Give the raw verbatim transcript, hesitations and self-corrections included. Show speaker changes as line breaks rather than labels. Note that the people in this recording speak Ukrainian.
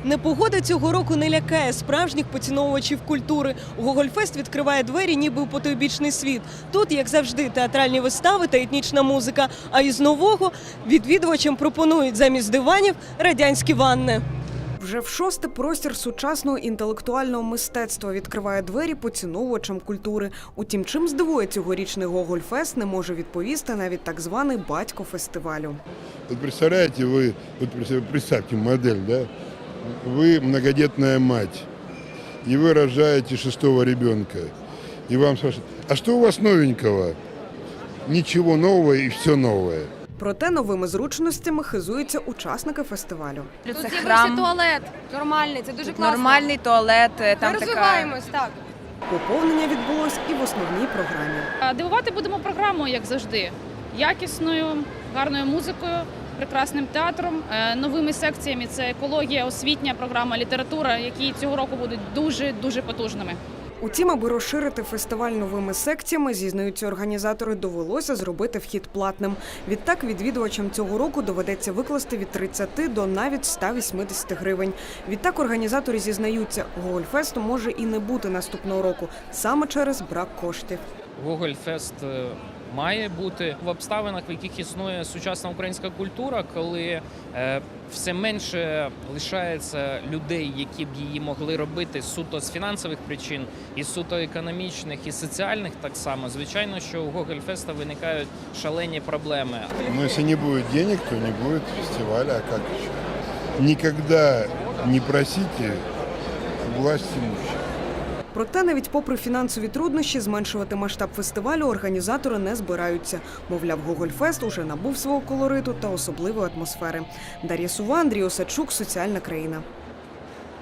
Непогода цього року не лякає справжніх поціновувачів культури. Гогольфест відкриває двері ніби у потойбічний світ. Тут, як завжди, театральні вистави та етнічна музика. А із нового відвідувачам пропонують замість диванів радянські ванни. Вже в шосте простір сучасного інтелектуального мистецтва відкриває двері поціновувачам культури. Утім, чим здивує цьогорічний Гогольфест, не може відповісти навіть так званий батько фестивалю.
Вот представляете, вы, вот представьте модель, да? Вы многодетная мать, и вы рожаете шестого ребенка, и вам спрашивают, а что у вас новенького? Ничего нового и все новое.
Проте новими зручностями хизуються учасники фестивалю.
Це
Тут
храм,
з'явився туалет нормальний, це дуже класно.
нормальний туалет,
Ми
там така...
розвиваємось, так.
Поповнення відбулось і в основній програмі.
Дивувати будемо програмою, як завжди. Якісною, гарною музикою, прекрасним театром, новими секціями. Це екологія, освітня програма, література, які цього року будуть дуже-дуже потужними.
Утім, аби розширити фестиваль новими секціями, зізнаються організатори, довелося зробити вхід платним. Відтак відвідувачам цього року доведеться викласти від тридцяти до навіть ста вісімдесяти гривень. Відтак організатори зізнаються, Гогольфесту може і не бути наступного року, саме через брак коштів.
Гогольфест має бути в обставинах, в яких існує сучасна українська культура, коли е, все менше лишається людей, які б її могли робити суто з фінансових причин, і суто економічних, і соціальних так само. Звичайно, що у Гогольфеста виникають шалені проблеми.
Но если не будет денег, то не будет фестиваля, а как еще? Никогда не просите власть имущих.
Проте навіть попри фінансові труднощі зменшувати масштаб фестивалю організатори не збираються. Мовляв, Гогольфест уже набув свого колориту та особливої атмосфери. Дар'я Сува, Андрій Осадчук, Соціальна країна.